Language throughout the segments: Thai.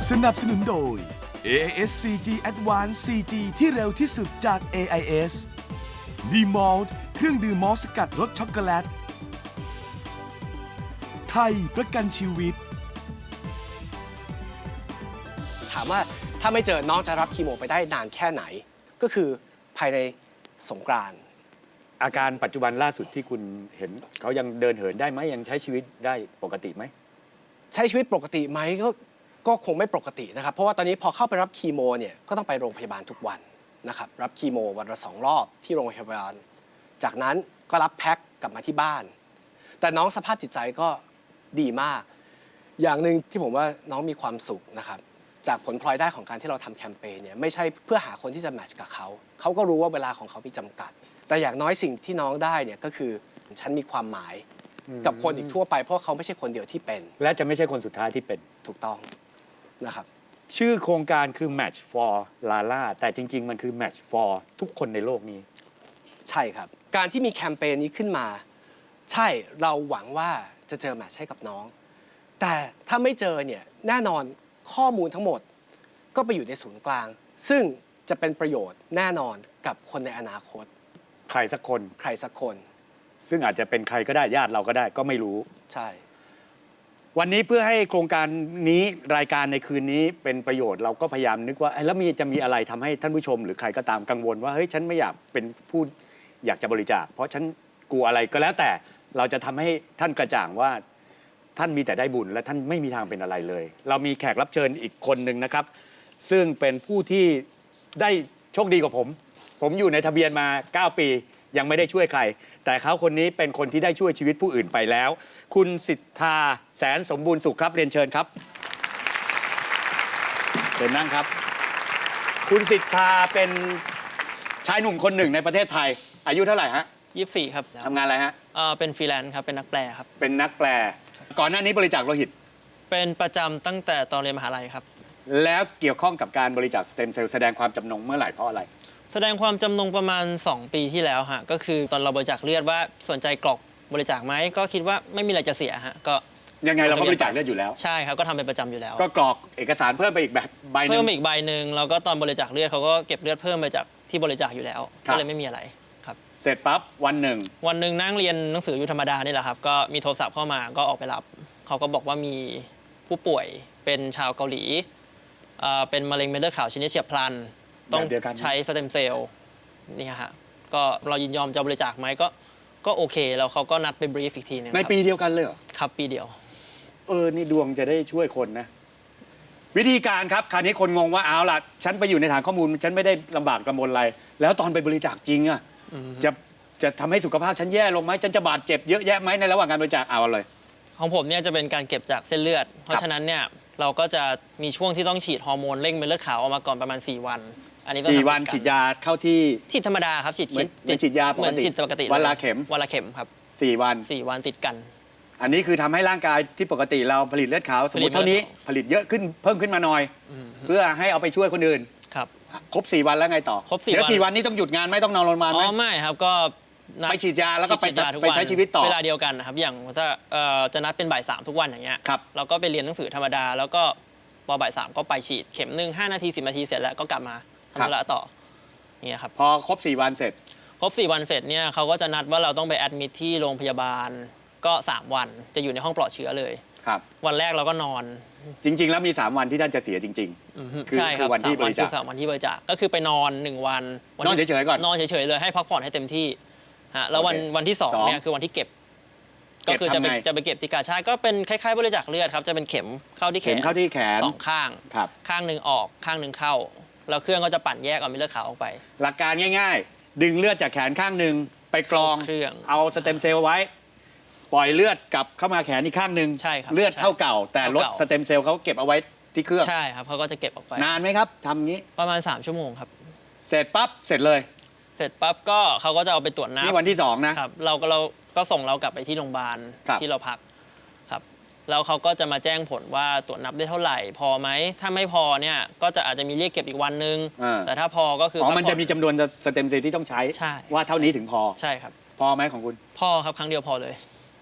สนับสนุนโดย AIS 4G Advanced 4G ที่เร็วที่สุดจาก AIS D-Malt เครื่องดื่มมอลต์สกัดรสช็อกโกแลตไทยประกันชีวิตถามว่าถ้าไม่เจอน้องจะรับคีโมไปได้นานแค่ไหนก็คือภายในสงกรานต์อาการปัจจุบันล่าสุดที่คุณเห็นเขายังเดินเหินได้ไหมยังใช้ชีวิตได้ปกติไหมใช้ชีวิตปกติไหมก็คงไม่ปกตินะครับเพราะว่าตอนนี้พอเข้าไปรับคีโมเนี่ยก็ต้องไปโรงพยาบาลทุกวันนะครับรับคีโมวันละ2 รอบที่โรงพยาบาลจากนั้นก็รับแพ็คกลับมาที่บ้านแต่น้องสภาพจิตใจก็ดีมากอย่างหนึ่งที่ผมว่าน้องมีความสุขนะครับจากผลพลอยได้ของการที่เราทำแคมเปญเนี่ยไม่ใช่เพื่อหาคนที่จะแมทช์กับเขาก็รู้ว่าเวลาของเขามีจำกัดแต่อย่างน้อยสิ่งที่น้องได้เนี่ยก็คือฉันมีความหมายกับคนอีกทั่วไปเพราะเขาไม่ใช่คนเดียวที่เป็นและจะไม่ใช่คนสุดท้ายที่เป็นถูกต้องนะครับชื่อโครงการคือ Match for Lala แต่จริงๆมันคือ Match for ทุกคนในโลกนี้ใช่ครับการที่มีแคมเปญนี้ขึ้นมาใช่เราหวังว่าจะเจอแมทช์ให้กับน้องแต่ถ้าไม่เจอเนี่ยแน่นอนข้อมูลทั้งหมดก็ไปอยู่ในศูนย์กลางซึ่งจะเป็นประโยชน์แน่นอนกับคนในอนาคตใครสักคน ซึ่งอาจจะเป็นใครก็ได้ญาติเราก็ได้ก็ไม่รู้ใช่วันนี้เพื่อให้โครงการนี้รายการในคืนนี้เป็นประโยชน์เราก็พยายามนึกว่าแล้วจะมีอะไรทำให้ท่านผู้ชมหรือใครก็ตามกังวลว่าเฮ้ยฉันไม่อยากเป็นผู้อยากจะบริจาคเพราะฉันกลัวอะไรก็แล้วแต่เราจะทำให้ท่านกระจ่างว่าท่านมีแต่ได้บุญและท่านไม่มีทางเป็นอะไรเลยเรามีแขกรับเชิญอีกคนหนึ่งนะครับซึ่งเป็นผู้ที่ได้โชคดีกว่าผมอยู่ในทะเบียนมา9 ปียังไม่ได้ช่วยใครแต่เขาคนนี้เป็นคนที่ได้ช่วยชีวิตผู้อื่นไปแล้วคุณสิทธาแสนสมบูรณ์สุขครับเรียนเชิญครับเชิญนั่งครับคุณสิทธาเป็นชายหนุ่มคนหนึ่งในประเทศไทยอายุเท่าไหร่ฮะ 24ครับทำงานอะไรฮะเป็นฟรีแลนซ์ครับเป็นนักแปลครับเป็นนักแปลก่อนหน้านี้บริจาคโลหิตเป็นประจำตั้งแต่ตอนเรียนมหาลัยครับแล้วเกี่ยวข้องกับการบริจาคสเต็มเซลล์แสดงความจำนงเมื่อไหร่เพราะอะไรแสดงความจำนงประมาณ2 ปีที่แล้วฮะก็คือตอนเราบริจาคเลือดว่าสนใจกรอกบริจาคไหมก็คิดว่าไม่มีอะไรจะเสียฮะก็ยังไงเราก็บริจาคเลือดอยู่แล้วใช่ครับก็ทำเป็นประจำอยู่แล้วก็กรอกเอกสารเพิ่มไปอีกใบนึงเพิ่มอีกใบหนึ่งแล้วก็ตอนบริจาคเลือดเขาก็เก็บเลือดเพิ่มไปจากที่บริจาคอยู่แล้วก็เลยไม่มีอะไรครับเสร็จปั๊บวันหนึ่งนั่งเรียนหนังสืออยู่ธรรมดานี่แหละครับก็มีโทรศัพท์เข้ามาก็ออกไปรับเขาก็บอกว่ามีผู้ป่วยเป็นชาวเกาหลีเป็นมะเร็งเม็ดเลือดขาวชนิดเฉียบพลันต้องใช้สเต็มเซลล์นี่ฮะก็เรายินยอมจะบริจาคไหมก็โอเคแล้วเขาก็นัดไปบรีฟอีกทีนึงในปีเดียวกันเลยเหรอครับปีเดียวนี่ดวงจะได้ช่วยคนนะวิธีการครับคราวนี้คนงงว่าเอาล่ะฉันไปอยู่ในฐานข้อมูลฉันไม่ได้ลำบากลำบนอะไรแล้วตอนไปบริจาคจริงอะจะทำให้สุขภาพฉันแย่ลงไหมฉันจะบาดเจ็บเยอะแยะไหมในระหว่างการบริจาคเอาเลยของผมเนี่ยจะเป็นการเก็บจากเส้นเลือดเพราะฉะนั้นเนี่ยเราก็จะมีช่วงที่ต้องฉีดฮอร์โมนเร่งเม็ดเลือดขาวออกมาก่อนประมาณ4 วันอันนี้ 4 วันฉีดยาเข้าที่ฉีดธรรมดาครับฉีดยาเหมือนฉีดปกติวันละเข็มครับ 4 วันติดกันอันนี้คือทำให้ร่างกายที่ปกติเราผลิตเลือดขาวสมมติเท่านี้ผลิตเยอะขึ้นเพิ่มขึ้นมาหน่อยเพื่อให้เอาไปช่วยคนอื่นครับครบ4 วันแล้วไงต่อครบ4 วันแล้ว4 วันนี้ต้องหยุดงานไม่ต้องนอนโรงพยาบาลไหมไม่ครับก็ไปฉีดยาแล้วก็ไปใช้ชีวิตต่อเวลาเดียวกันนะครับอย่างถ้าจะนัดเป็นบ่าย 3ทุกวันอย่างเงี้ยเราก็ไปเรียนหนังสือธรรมดาแล้วก็พอบ่าย 3ก็ไปฉีดเข็ม1 5 นาที10 นาทีเสร็จแล้วก็กลับมาทำธุระต่อเนี่ยครับพอครบ4 วันเสร็จเนี่ยเขาก็จะนัดว่าเราต้องไปแอดมิทที่โรงพยาบาลก็3 วันจะอยู่ในห้องปลอดเชื้อเลยครับวันแรกเราก็นอนจริงๆแล้วมี3 วันที่ท่านจะเสียจริงๆใช่ครับวันที่บริจาค3 วันที่บริจาคก็คือไปนอน1 วันนอนเฉยๆก่อนนอนเฉยๆเลยให้พักผ่อนให้เต็มที่แล้ววันที่2เนี่ยคือวันที่เก็บก็คือจะไปเก็บที่กาชาดก็เป็นคล้ายๆบริจาคเลือดครับจะเป็นเข็มเข้าที่แขน2 ข้างข้างหนึ่งออกข้างหนึ่งเข้าแล้วเครื่องก็จะปั่นแยกเอาเม็ดเลือดขาวออกไปหลักการง่ายๆดึงเลือดจากแขนข้างหนึ่งไปกรองเอาสเต็มเซลล์ไว้ปล่อยเลือดกลับเข้ามาแขนอีกข้างหนึ่งเลือดเท่าเก่าแต่ลดสเต็มเซลล์เขาเก็บเอาไว้ที่เครื่องใช่ครับเขาก็จะเก็บออกไปนานไหมครับทำงี้ประมาณ3 ชั่วโมงครับเสร็จปั๊บเสร็จก็เขาก็จะเอาไปตรวจน้ำนี่วันที่2นะครับเราก็ส่งเรากลับไปที่โรงพยาบาลที่เราพักครับแล้วเขาก็จะมาแจ้งผลว่าตรวจนับได้เท่าไหร่พอไหมถ้าไม่พอเนี่ยก็จะอาจจะมีเรียกเก็บอีกวันนึงแต่ถ้าพอก็คือมันจะมีจำนวนสเต็มเซลล์ที่ต้องใช้ว่าเท่านี้ถึงพอใช่ครับพอไหมของคุณพอครับครั้งเดียวพอเลย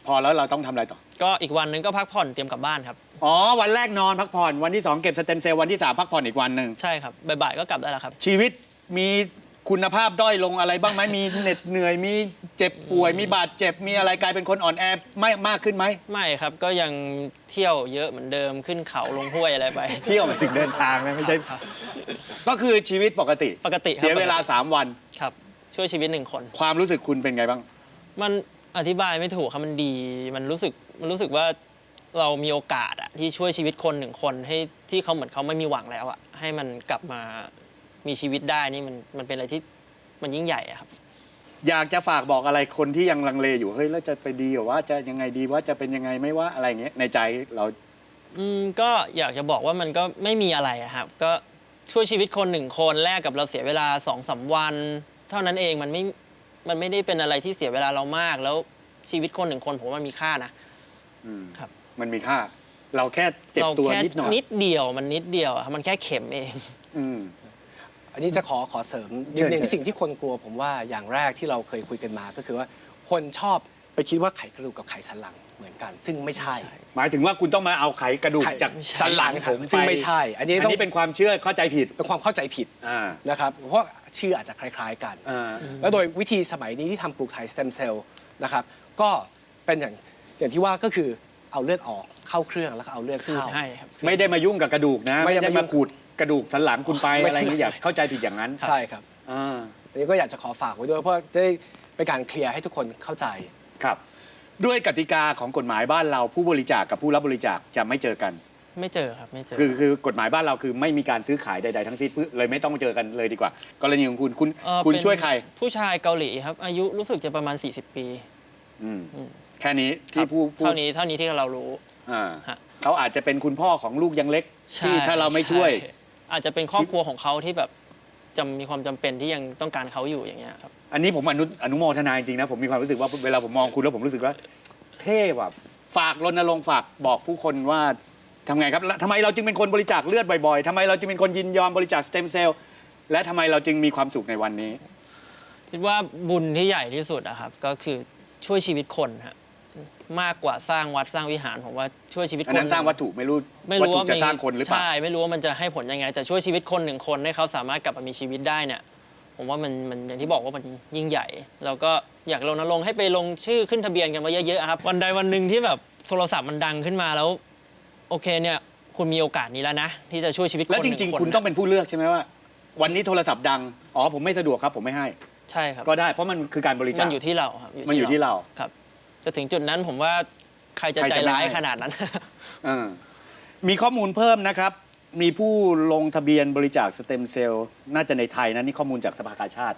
พอแล้วเราต้องทำอะไรต่อก็อีกวันนึงก็พักผ่อนเตรียมกลับบ้านครับอ๋อวันแรกนอนพักผ่อนวันที่ 2 เก็บสเต็มเซลล์วันที่ 3 พักผ่อนอีกวันหนึ่งใช่ครับบ่ายๆก็กลับได้แล้วครับชีวิตมีคุณภาพด้อยลงอะไรบ้างไหมมีเหน็ดเหนื่อยมีเจ็บป่วยมีบาดเจ็บมีอะไรกลายเป็นคนอ่อนแอไม่มากขึ้นไหมไม่ครับก็ยังเที่ยวเยอะเหมือนเดิมขึ้นเขาลงห้วยอะไรไปเที่ยวหมายถึงเดินทางนะไม่ใช่ครับก็คือชีวิตปกติปกติครับเสียเวลา 3 วันครับช่วยชีวิต1 คนความรู้สึกคุณเป็นไงบ้างมันอธิบายไม่ถูกครับมันดีมันรู้สึกว่าเรามีโอกาสอะที่ช่วยชีวิตคน1 คนให้ที่เขาเหมือนเขาไม่มีหวังแล้วอะให้มันกลับมามีชีวิตได้นี่มันเป็นอะไรที่มันยิ่งใหญ่อะครับอยากจะฝากบอกอะไรคนที่ยังลังเลอยู่เฮ้ยแล้วจะไปดีหรือว่าจะยังไงดีว่าจะเป็นยังไงไม่ว่าอะไรอย่างเงี้ยในใจเราก็อยากจะบอกว่ามันก็ไม่มีอะไรอะครับก็ช่วยชีวิตคน1 คนแลกกับเราเสียเวลา2-3 วัน เท่านั้นเองมันไม่ได้เป็นอะไรที่เสียเวลาเรามากแล้วชีวิตคน1 คนผมว่ามันมีค่านะ ครับมันมีค่า เราแค่เจ็บตัวนิดหน่อยนิดเดียวมันนิดเดียวอะมันแค่เข็มเองอืมอันนี้จะขอเสริมนิดนึงสิ่งที่คนกลัวผมว่าอย่างแรกที่เราเคยคุยกันมาก็คือว่าคนชอบไปคิดว่าไขกระดูกกับไขสันหลังเหมือนกัน ซึ่งไม่ใช่หมายถึงว่าคุณต้องมาเอาไขกระดูกไขจากไม่ใช่สันหลังผมซึ่งไปไม่ใช่ อันนี้อันต้องนี้เป็นความเชื่อเข้าใจผิดเป็นความเข้าใจผิดอ่านะครับเพราะชื่ออาจจะคล้าย ๆกันอ่าแล้วโดยวิธีสมัยนี้ที่ทำปลูกถ่ายสเต็มเซลล์นะครับก็เป็นอย่างที่ว่าก็คือเอาเลือดออกเข้าเครื่องแล้วก็เอาเลือดคืนเข้าให้ครับไม่ได้มายุ่งกับกระดูกนะไม่ไม่ได้ได้มายุ่มาง ขูดกระดูกสันหลังคุณไปไม่อะไรอย่างนี้อย่าเข้าใจผิดอย่างนั้นใช่ครับอ่าอันนี้ก็อยากจะขอฝากไว้ด้วยเพราะจะได้เป็นการเคลียร์ให้ทุกคนเข้าใจครับ ด้วยกติกาของกฎหมายบ้านเราผู้บริจาคกับผู้รับบริจาคจะไม่เจอกันไม่เจอครับไม่เจอคือกฎหมายบ้านเราคือไม่มีการซื้อขายใดๆทั้งสิ้นเลยไม่ต้องเจอกันเลยดีกว่า กรณีของคุณ คุณเป็นช่วยใครผู้ชายเกาหลีครับอายุรู้สึกจะประมาณ40 ปีอืมอืมแค่นี้ครัที่บผู้เท่านี้ที่เรารู้อ่าฮะเขาอาจจะเป็นคุณพ่อของลูกยังเล็กใช่ที่ถ้าเราไม่ช่วยใอาจจะเป็นครอบครัวของเขาที่แบบจะมีความจำเป็นที่ยังต้องการเขาอยู่อย่างเงี้ยครับอันนี้ผมอนุโมทนาจริงๆนะผมมีความรู้สึกว่าเวลาผมมองคุณแล้วผมรู้สึกว่าเท่ว่ะฝากรณรงค์ฝากบอกผู้คนว่าทำไงครับแล้วทำไมเราจึงเป็นคนบริจาคเลือดบ่อยๆทำไมเราจึงเป็นคนยินยอมบริจาคสเต็มเซลล์และทำไมเราจึงมีความสุขในวันนี้คิดว่าบุญที่ใหญ่ที่สุดอะครับก็คือช่วยชีวิตคนฮะมากกว่าสร้างวัดสร้างวิหารผมว่าช่วยชีวิตอันคนนั้นสร้างวัตถุไม่รู้ไม่วัตรู้ถุว่าจะสร้างคนหรือเปล่าใช่ไม่รู้ว่ามันจะให้ผลยังไง แต่ช่วยชีวิตคน1 คนให้เขาสามารถกลับมามีชีวิตได้เนี่ยผมว่ามันอย่างที่บอกว่ามันยิ่งใหญ่แล้วก็อยากรณรงค์ให้ไปลงชื่อขึ้นทะเบียนกันมาเยอะๆครับวันใดวันหนึ่งที่แบบโทรศัพท์มันดังขึ้นมาแล้วโอเคเนี่ยคุณมีโอกาสนี้แล้วนะที่จะช่วยชีวิตคนแล้วจ 1 ริงคนๆ คุณต้องเป็นผู้เลือกใช่ไหมว่า วันนี้โทรศัพท์ดังอ๋อผมไม่สะดวกครับผมไม่ให้ใช่ครับก็ได้เพราะมันคือการบริจามัคนอยู่ที่เราครับมันอยู่ที่เราครับจะถึงจุดนั้นผมว่าใครจะใครใจจะไม่ร้ายให้ขนาดนั้นมีข้อมูลเพิ่มนะครับ มีผู้ลงทะเบียนบริจาคสเต็มเซลล์น่าจะในไทยนะนี่ข้อมูลจากสภากาชาติ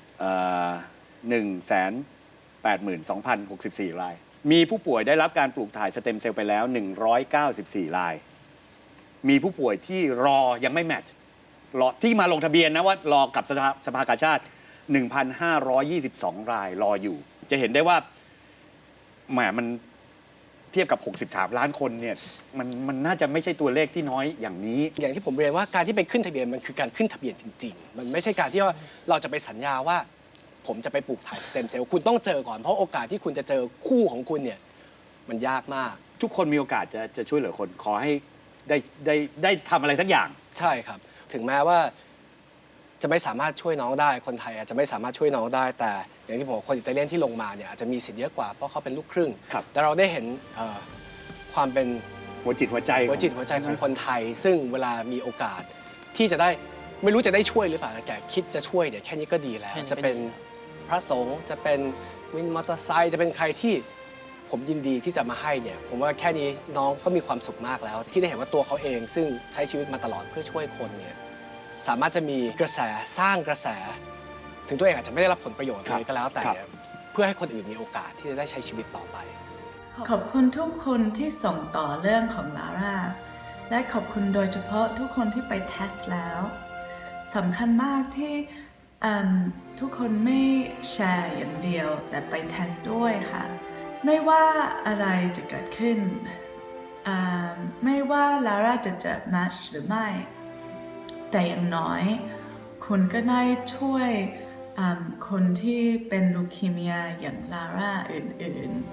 182,064 ราย มีผู้ป่วยได้รับการปลูกถ่ายสเต็มเซลล์ไปแล้ว 194 ราย มีผู้ป่วยที่รอยังไม่แมทช์รอที่มาลงทะเบียนนะว่ารอกับสภากาชาติ 1,522 รายรออยู่ จะเห็นได้ว่าแหมมันเทียบกับ 63 ล้านคนเนี่ยมันน่าจะไม่ใช่ตัวเลขที่น้อยอย่างนี้อย่างที่ผมเรียนว่าการที่ไปขึ้นทะเบียนมันคือการขึ้นทะเบียนจริงๆ มันไม่ใช่การที่ว่าเราจะไปสัญญาว่า ผมจะไปปลูกถ่ายสเต็มเซลล์คุณต้องเจอก่อนเพราะโอกาสที่คุณจะเจอคู่ของคุณเนี่ยมันยากมากทุกคนมีโอกาสจะช่วยเหลือคนขอให้ได้ทำอะไรสักอย่างใช่ครับ ถึงแม้ว่าจะไม่สามารถช่วยน้องได้คนไทยอาจจะไม่สามารถช่วยน้องได้ แต่อย่างที่ผมบอกคนอิตาเลียนที่ลงมาเนี่ยอาจจะมีสิทธิ์เยอะกว่าเพราะเขาเป็นลูกครึ่งครับแต่เราได้เห็นความเป็นหัวจิตหัวใจหัวจิตหัวใจของคนไทย ซึ่งเวลามีโอกาสที่จะได้ไม่รู้จะได้ช่วยหรือเปล่าแต่คิดจะช่วยเนี่ยแค่นี้ก็ดีแล้วแค่นี้ก็ดีจะเป็นพระสงฆ์จะเป็นวินมอเตอร์ไซค์จะเป็นใครที่ผมยินดีที่จะมาให้เนี่ยผมว่าแค่นี้น้องก็มีความสุขมากแล้ว ที่ได้เห็นว่าตัวเขาเอง ซึ่งใช้ชีวิตมาตลอดเพื่อช่วยคนเนี่ยสามารถจะมีกระแสสร้างกระแส ถึงตัวเองอาจจะไม่ได้รับผลประโยชน์เลยก็แล้วแต่เนี่ยเพื่อให้คนอื่นมีโอกาสที่จะได้ใช้ชีวิตต่อไปขอบคุณทุกคนที่ส่งต่อเรื่องของลาร่าและขอบคุณโดยเฉพาะทุกคนที่ไปเทสแล้วสำคัญมากที่ทุกคนไม่แชร์อย่างเดียวแต่ไปเทสด้วยค่ะไม่ว่าอะไรจะเกิดขึ้นไม่ว่าลาร่าจะเจอแมชหรือไม่แต่อย่างน้อยคุณก็ได้ช่วยคนที่เป็นลูคีเมียอย่างลาร่าอื่น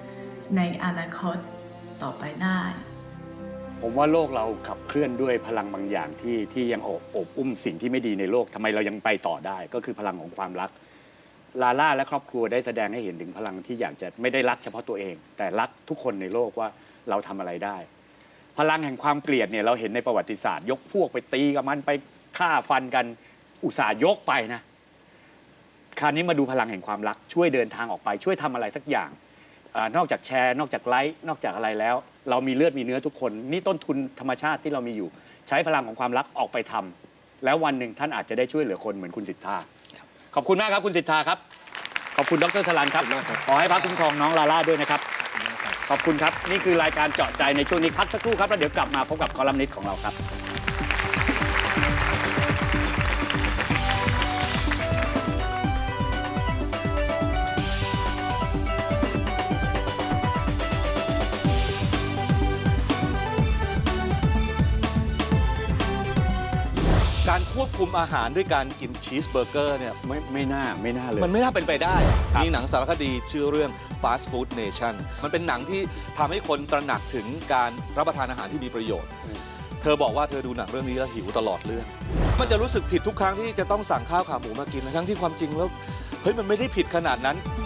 ในอนาคตต่อไปได้ผมว่าโลกเราขับเคลื่อนด้วยพลังบางอย่างที่ยังโอบอุ้มสิ่งที่ไม่ดีในโลกทำไมเรายังไปต่อได้ ก็คือพลังของความรักลาล่าและครอบครัวได้แสดงให้เห็นถึงพลังที่อยากจะไม่ได้รักเฉพาะตัวเอง แต่รักทุกคนในโลกว่าเราทำอะไรได้ พลังแห่งความเกลียดเนี่ยเราเห็นในประวัติศาสตร์ ยกพวกไปตีกับมันไปฆ่าฟันกันอุตส่าห์ยกไปนะคราวนี้มาดูพลังแห่งความรักช่วยเดินทางออกไปช่วยทำอะไรสักอย่างนอกจากแชร์นอกจากไลค์นอกจากอะไรแล้ว เรามีเลือดมีเนื้อทุกคนนี่ต้นทุนธรรมชาติที่เรามีอยู่ ใช้พลังของความรักออกไปทำแล้ววันหนึ่งท่านอาจจะได้ช่วยเหลือคนเหมือนคุณสิทธาขอบคุณมากครับคุณสิทธาครับขอบคุณดร.สลันครับขอให้พระคุ้มครองน้องลาล่าด้วยนะครับขอบคุณครับนี่คือรายการเจาะใจในช่วงนี้พักสักครู่ครับแล้วเดี๋ยวกลับมาพบกับคอลัมนิสต์ของเราครับการควบคุมอาหารด้วยการกินชีสเบอร์เกอร์เนี่ยไม่น่าเลยมันไม่น่าเป็นไปได้ครับมีหนังสารคดีชื่อเรื่อง Fast Food Nation มันเป็นหนังที่ทำให้คนตระหนักถึงการรับประทานอาหารที่มีประโยชน์ เธอบอกว่าเธอดูหนังเรื่องนี้แล้วหิวตลอดเรื่อง มันจะรู้สึกผิดทุกครั้งที่จะต้องสั่งข้าวขาหมูมากินทั้งที่ความจริงแล้วเฮ้ยมันไม่ได้ผิดขนาดนั้น